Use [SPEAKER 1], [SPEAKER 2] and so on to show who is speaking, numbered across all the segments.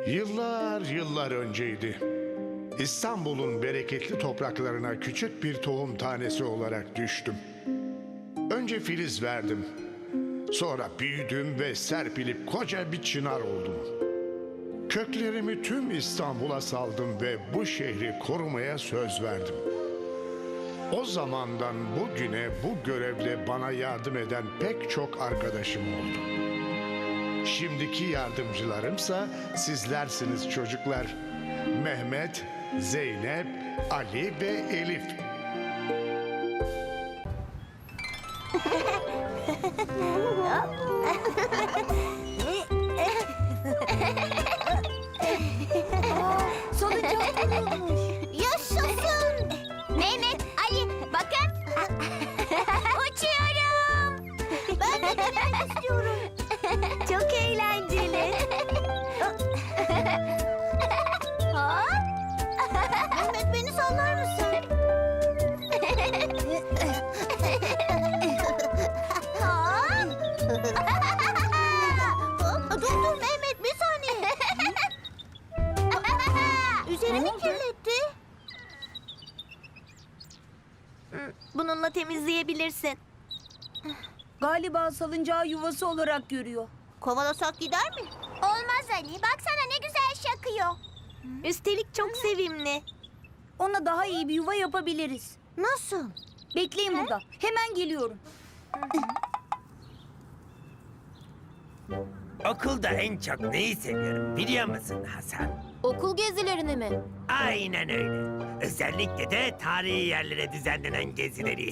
[SPEAKER 1] Yıllar yıllar önceydi. İstanbul'un bereketli topraklarına küçük bir tohum tanesi olarak düştüm. Önce filiz verdim. Sonra büyüdüm ve serpilip koca bir çınar oldum. Köklerimi tüm İstanbul'a saldım ve bu şehri korumaya söz verdim. O zamandan bugüne bu görevle bana yardım eden pek çok arkadaşım oldu. Şimdiki yardımcılarımsa sizlersiniz çocuklar. Mehmet, Zeynep, Ali ve Elif.
[SPEAKER 2] Salıncak olmuş. Yaşasın. Mehmet, Ali bakın. Uçuyorum. Ben de denemek istiyorum. Çok eğlenceli. Mehmet beni sallar mısın? Dur Mehmet bir saniye. Üzerimi kirletti.
[SPEAKER 3] Bununla temizleyebilirsin.
[SPEAKER 4] Galiba salıncağı yuvası olarak görüyor.
[SPEAKER 2] Kovalasak gider mi? Olmaz Ali. Baksana ne güzel şakıyor.
[SPEAKER 3] Üstelik çok sevimli.
[SPEAKER 4] Ona daha iyi bir yuva yapabiliriz.
[SPEAKER 2] Nasıl?
[SPEAKER 4] Bekleyin burada. Hemen geliyorum.
[SPEAKER 5] Okulda en çok neyi seviyorum biliyor musun Hasan?
[SPEAKER 2] Okul gezilerini mi?
[SPEAKER 5] Aynen öyle. Özellikle de tarihi yerlere düzenlenen gezileri.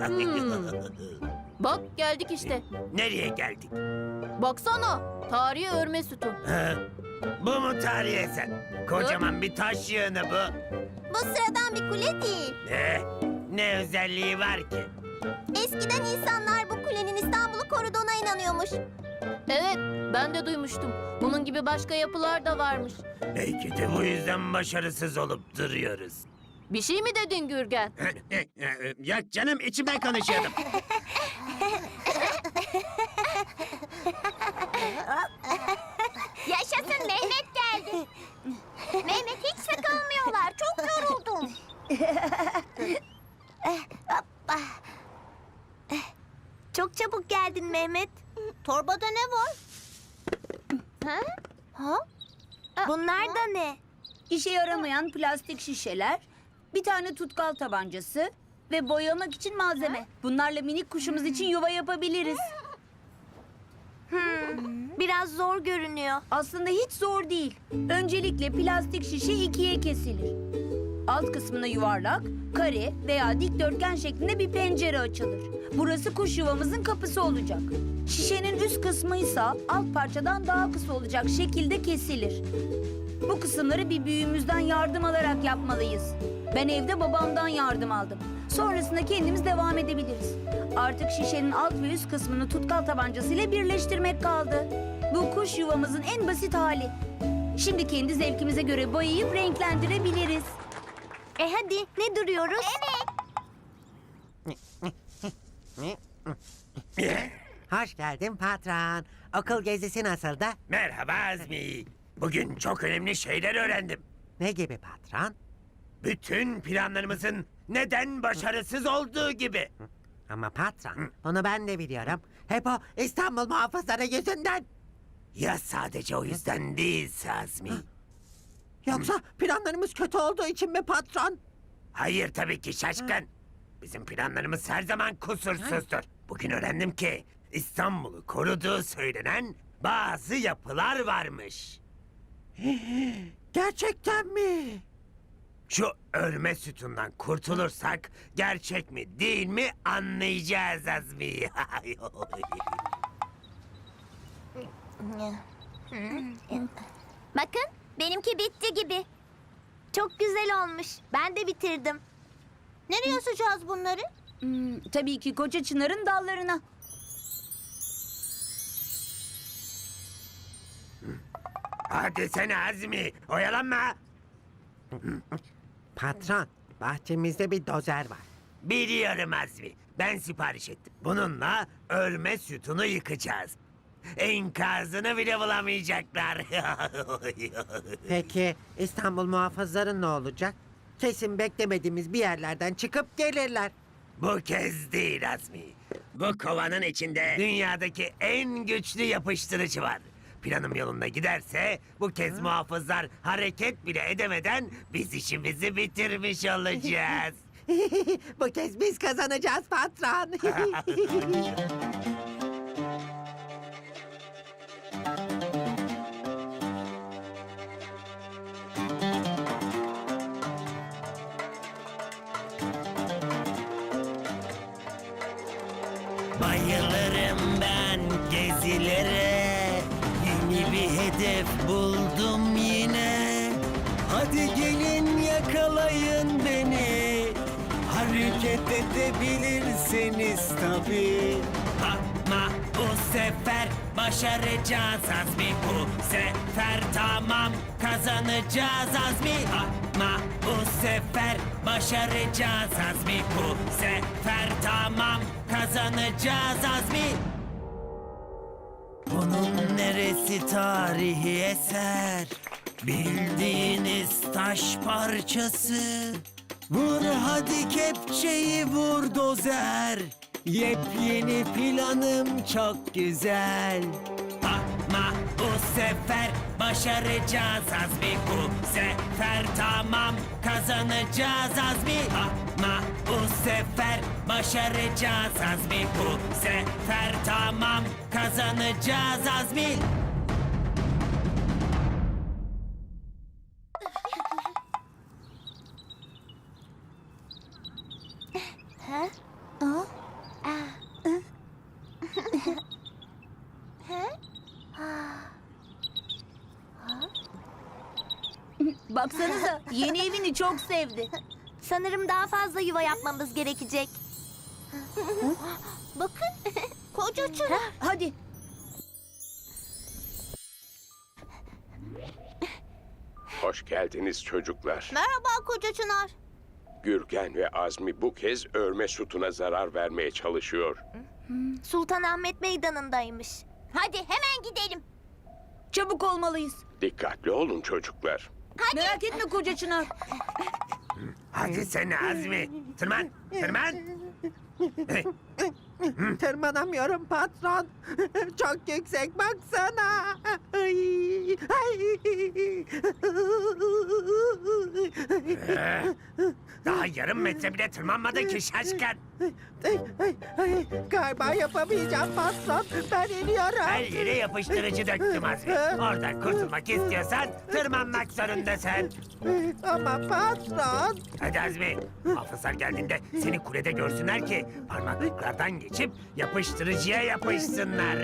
[SPEAKER 6] Bak geldik işte.
[SPEAKER 5] Nereye geldik?
[SPEAKER 6] Baksana. Tarihi örme sütun.
[SPEAKER 5] Ha? Bu mu tarihi eser? Kocaman bir taş yığını bu.
[SPEAKER 2] Bu sıradan bir kule değil.
[SPEAKER 5] Ne özelliği var ki?
[SPEAKER 2] Eskiden insanlar bu kulenin İstanbul'u koruduğuna inanıyormuş.
[SPEAKER 6] Evet ben de duymuştum. Bunun gibi başka yapılar da varmış.
[SPEAKER 5] Belki de bu yüzden başarısız olup duruyoruz.
[SPEAKER 6] Bir şey mi dedin Gürgen?
[SPEAKER 5] Ya canım içimden konuşuyordum.
[SPEAKER 2] Yaşasın Mehmet geldi. Mehmet hiç sıkılmıyorlar. Çok yoruldum.
[SPEAKER 3] Çok çabuk geldin Mehmet.
[SPEAKER 2] Torbada ne var? Ha?
[SPEAKER 3] Bunlar da ne?
[SPEAKER 4] İşe yaramayan plastik şişeler, bir tane tutkal tabancası ve boyamak için malzeme. Bunlarla minik kuşumuz için yuva yapabiliriz.
[SPEAKER 3] Biraz zor görünüyor.
[SPEAKER 4] Aslında hiç zor değil. Öncelikle plastik şişe ikiye kesilir. Alt kısmına yuvarlak, kare veya dikdörtgen şeklinde bir pencere açılır. Burası kuş yuvamızın kapısı olacak. Şişenin üst kısmı ise alt parçadan daha kısa olacak şekilde kesilir. Bu kısımları bir büyüğümüzden yardım alarak yapmalıyız. Ben evde babamdan yardım aldım. Sonrasında kendimiz devam edebiliriz. Artık şişenin alt ve üst kısmını tutkal tabancasıyla birleştirmek kaldı. Bu kuş yuvamızın en basit hali. Şimdi kendi zevkimize göre boyayıp renklendirebiliriz.
[SPEAKER 3] Hadi ne duruyoruz?
[SPEAKER 7] Hoş geldin patron. Okul gezisi nasıldı?
[SPEAKER 5] Merhaba Azmi. Bugün çok önemli şeyler öğrendim.
[SPEAKER 7] Ne gibi patron?
[SPEAKER 5] Bütün planlarımızın neden başarısız olduğu gibi.
[SPEAKER 7] Ama patron, bunu ben de biliyorum. Hep o İstanbul muhafızları yüzünden.
[SPEAKER 5] Ya sadece o yüzden değilse Azmi.
[SPEAKER 7] Yoksa planlarımız kötü olduğu için mi patron?
[SPEAKER 5] Hayır tabii ki şaşkın. Bizim planlarımız her zaman kusursuzdur. Bugün öğrendim ki İstanbul'u koruduğu söylenen bazı yapılar varmış.
[SPEAKER 7] Gerçekten mi?
[SPEAKER 5] Şu örme sütundan kurtulursak gerçek mi değil mi anlayacağız Azmi.
[SPEAKER 2] Bakın benimki bitti gibi.
[SPEAKER 3] Çok güzel olmuş. Ben de bitirdim.
[SPEAKER 2] Nereye asacağız bunları?
[SPEAKER 4] Tabii ki koca çınarın dallarına.
[SPEAKER 5] Hadi sen Azmi oyalanma.
[SPEAKER 7] Patron, bahçemizde bir dozer var.
[SPEAKER 5] Biliyorum Azmi. Ben sipariş ettim. Bununla örme sütunu yıkacağız. Enkazını bile bulamayacaklar.
[SPEAKER 7] Peki İstanbul muhafızları ne olacak? Kesin beklemediğimiz bir yerlerden çıkıp gelirler.
[SPEAKER 5] Bu kez değil Azmi. Bu kovanın içinde dünyadaki en güçlü yapıştırıcı var. Planım yolunda giderse bu kez muhafızlar hareket bile edemeden biz işimizi bitirmiş olacağız.
[SPEAKER 7] Bu kez biz kazanacağız patron.
[SPEAKER 5] Bayılırım ben gezilere. Yeni bir hedef buldum yine. Hadi gelin yakalayın beni. Hareket edebilirseniz tabii. Ama bu sefer başaracağız Azmi. Bu sefer tamam kazanacağız Azmi. Ama bu sefer başaracağız Azmi. Bu sefer tamam kazanacağız Azmi. Bunun neresi tarihi eser? Bildiğiniz taş parçası. Vur hadi kepçeyi vur dozer. Yepyeni planım çok güzel. Ama bu sefer başaracağız Azmi. Bu sefer tamam kazanacağız Azmi. Ama bu sefer başaracağız Azmi. Bu sefer tamam kazanacağız Azmi.
[SPEAKER 4] Baksanıza yeni evini çok sevdi.
[SPEAKER 3] Sanırım daha fazla yuva yapmamız gerekecek.
[SPEAKER 2] Bakın, koca çınar.
[SPEAKER 4] Hadi.
[SPEAKER 8] Hoş geldiniz çocuklar.
[SPEAKER 2] Merhaba koca çınar.
[SPEAKER 8] Gürgen ve Azmi bu kez örme sütuna zarar vermeye çalışıyor.
[SPEAKER 3] Sultanahmet Meydanı'ndaymış.
[SPEAKER 2] Hadi hemen gidelim.
[SPEAKER 4] Çabuk olmalıyız.
[SPEAKER 8] Dikkatli olun çocuklar.
[SPEAKER 4] Merak etme koca çınar.
[SPEAKER 5] Hadi sen Azmi. Tırman, tırman.
[SPEAKER 7] Tırmanamıyorum patron. Çok yüksek baksana. Ay, ay.
[SPEAKER 5] Daha yarım metre bile tırmanmadın ki şaşkın.
[SPEAKER 7] Ay, galiba yapamayacağım patron. Ben iniyorum.
[SPEAKER 5] Her yere yapıştırıcı döktüm Azmi. Oradan kurtulmak istiyorsan tırmanmak zorundasın.
[SPEAKER 7] Ama patron.
[SPEAKER 5] Hadi Azmi. Hafızlar geldiğinde seni kulede görsünler ki parmaklıklardan geçip yapıştırıcıya yapışsınlar.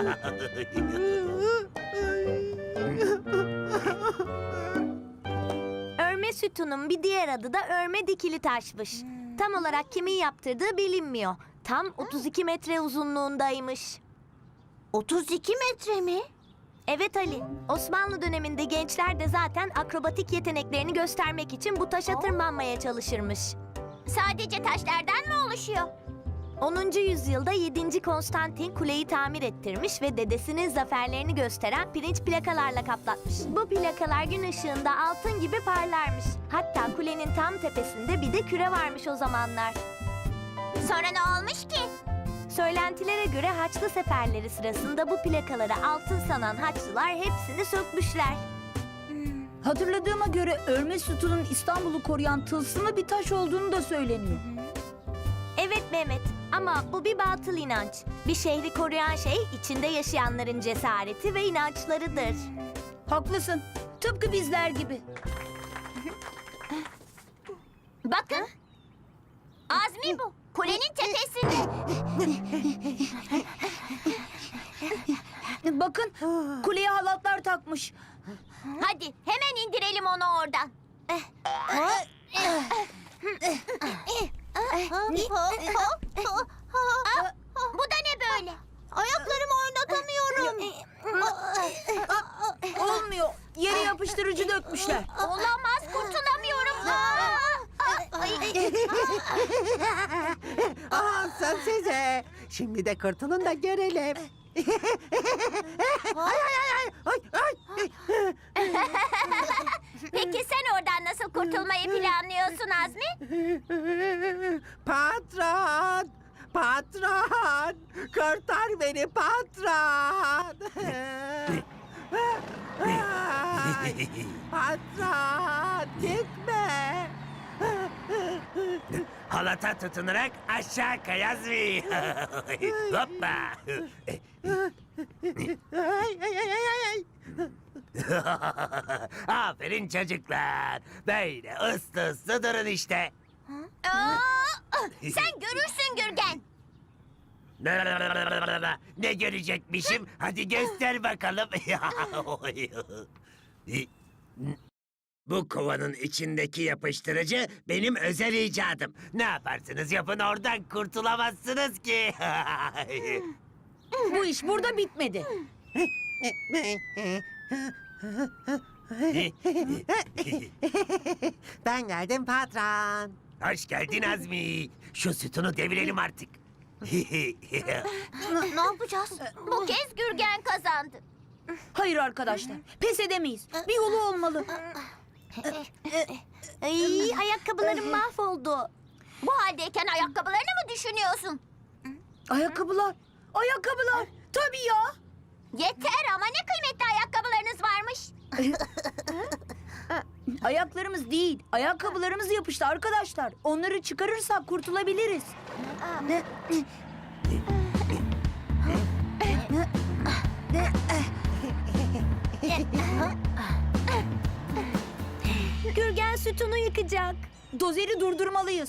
[SPEAKER 3] Örme sütunun bir diğer adı da örme dikili taşmış. Tam olarak kimin yaptırdığı bilinmiyor. Tam 32 metre uzunluğundaymış.
[SPEAKER 2] 32 metre mi?
[SPEAKER 3] Evet Ali, Osmanlı döneminde gençler de zaten akrobatik yeteneklerini göstermek için bu taşa tırmanmaya çalışırmış.
[SPEAKER 2] Sadece taşlardan mı oluşuyor?
[SPEAKER 3] 10. yüzyılda 7. Konstantin kuleyi tamir ettirmiş ve dedesinin zaferlerini gösteren pirinç plakalarla kaplatmış. Bu plakalar gün ışığında altın gibi parlarmış. Hatta kulenin tam tepesinde bir de küre varmış o zamanlar.
[SPEAKER 2] Sonra ne olmuş ki?
[SPEAKER 3] Söylentilere göre Haçlı seferleri sırasında bu plakaları altın sanan Haçlılar hepsini sökmüşler.
[SPEAKER 4] Hatırladığıma göre örme sütunun İstanbul'u koruyan tılsımlı bir taş olduğunu da söyleniyor.
[SPEAKER 3] Evet Mehmet, ama bu bir batıl inanç. Bir şehri koruyan şey içinde yaşayanların cesareti ve inançlarıdır.
[SPEAKER 4] Haklısın. Tıpkı bizler gibi.
[SPEAKER 2] Bakın. Azmi bu. Kulenin tepesinde.
[SPEAKER 4] Bakın kuleye halatlar takmış.
[SPEAKER 2] Hadi hemen indirelim onu oradan. Bu da ne böyle? Ayaklarımı oynatamıyorum.
[SPEAKER 4] Olmuyor. Yere yapıştırıcı dökmüşler.
[SPEAKER 2] Olamaz, kurtulamıyorum.
[SPEAKER 7] Alsın size. Şimdi de kurtulun da görelim.
[SPEAKER 2] Peki sen oradan nasıl kurtulmayı planlıyorsun Azmi?
[SPEAKER 7] Patron! Patron! Kurtar beni patron! Ay, patron! Gitme!
[SPEAKER 5] Halata tutunarak aşağı kay Azmi. Hoppa.
[SPEAKER 7] Ay, ay, ay, ay, ay.
[SPEAKER 5] Aferin çocuklar. Böyle ıslı ıslı durun işte.
[SPEAKER 2] Aa, sen görürsün Gürgen.
[SPEAKER 5] Ne görecekmişim? Hadi göster bakalım. Bu kovanın içindeki yapıştırıcı benim özel icadım. Ne yaparsınız yapın oradan kurtulamazsınız ki.
[SPEAKER 4] Bu iş burada bitmedi.
[SPEAKER 7] Ben geldim patron.
[SPEAKER 5] Hoş geldin Azmi. Şu sütunu devirelim artık.
[SPEAKER 2] Ne yapacağız? Bu kez Gürgen kazandı.
[SPEAKER 4] Hayır arkadaşlar, pes edemeyiz. Bir yolu olmalı.
[SPEAKER 3] Ay, ayakkabılarım mahvoldu.
[SPEAKER 2] Bu haldeyken ayakkabılarını mı düşünüyorsun?
[SPEAKER 4] Ayakkabılar, ayakkabılar. Tabii ya.
[SPEAKER 2] Yeter ama ne kıymetli ayakkabılarınız varmış.
[SPEAKER 4] Ayaklarımız değil, ayakkabılarımız yapıştı arkadaşlar. Onları çıkarırsak kurtulabiliriz.
[SPEAKER 3] Gürgen sütunu yıkacak.
[SPEAKER 4] Dozeri durdurmalıyız.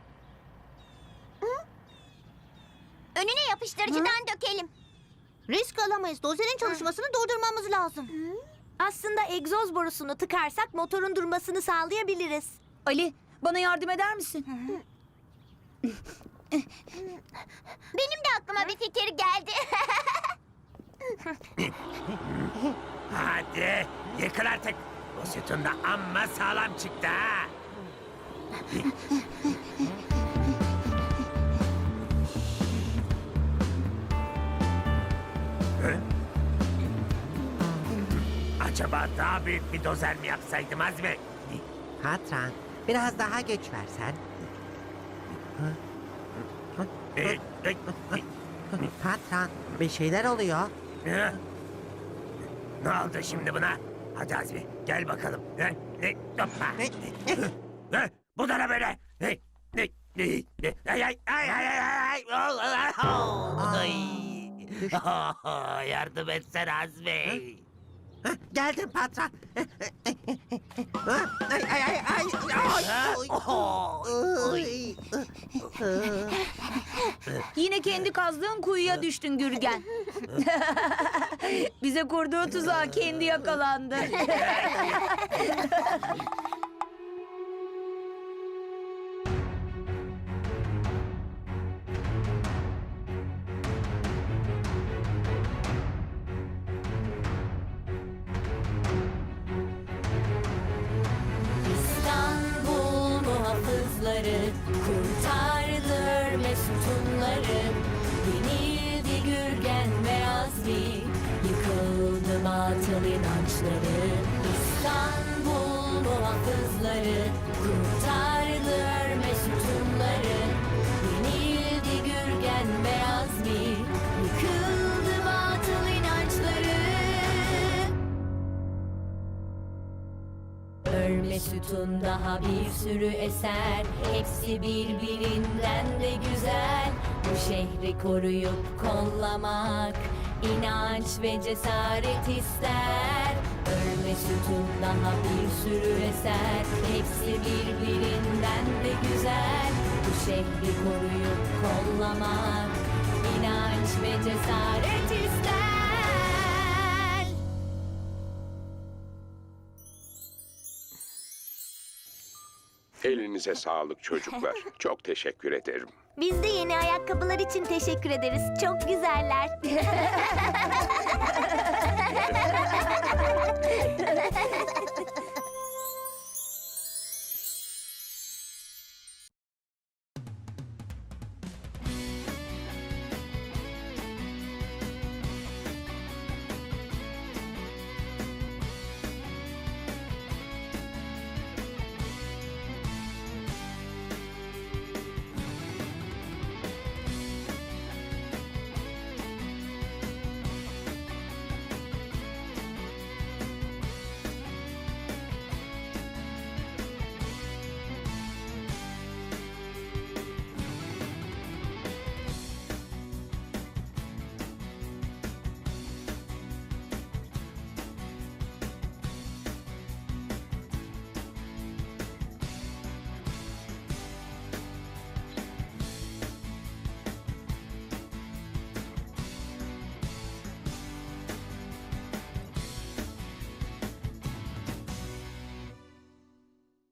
[SPEAKER 2] Önüne yapıştırıcıdan dökelim. Risk alamayız. Dozerin çalışmasını durdurmamız lazım.
[SPEAKER 3] Aslında egzoz borusunu tıkarsak motorun durmasını sağlayabiliriz.
[SPEAKER 4] Ali, bana yardım eder misin?
[SPEAKER 2] Benim de aklıma bir fikir geldi.
[SPEAKER 5] Hadi yıkıl artık. Bu sütun da amma sağlam çıktı ha. Acaba daha büyük bir dozer mi yapsaydım Azmi?
[SPEAKER 7] Patron, biraz daha güç versen. Patron, bir şeyler oluyor.
[SPEAKER 5] Ne oldu şimdi buna? Hadi Azmi gel bakalım. Hoppa. Bu da ne böyle? Ay ay ay ay ay ay. Yardım etsene Azmi.
[SPEAKER 7] Hah, geldim patron. Ay ay ay ay. Ay.
[SPEAKER 4] Yine kendi kazdığın kuyuya düştün Gürgen. Bize kurduğu tuzağa kendi yakalandı.
[SPEAKER 6] İstanbul muhafızları kurtardı Mesut'unları. Yenildi Gürgen ve Azmi, yıkıldı batıl inançları. İstanbul muhafızları kurtardı Mesut'unları. Yenildi Gürgen ve Azmi, yıkıldı batıl inançları. Örme sütun daha bir sürü eser, hepsi birbirinden de güzel. Bu şehri koruyup kollamak inanç ve cesaret ister. Örme sütun daha bir sürü eser, hepsi birbirinden de güzel. Bu şehri koruyup kollamak inanç ve cesaret ister.
[SPEAKER 8] Elinize sağlık çocuklar. Çok teşekkür ederim.
[SPEAKER 3] Biz de yeni ayakkabılar için teşekkür ederiz. Çok güzeller.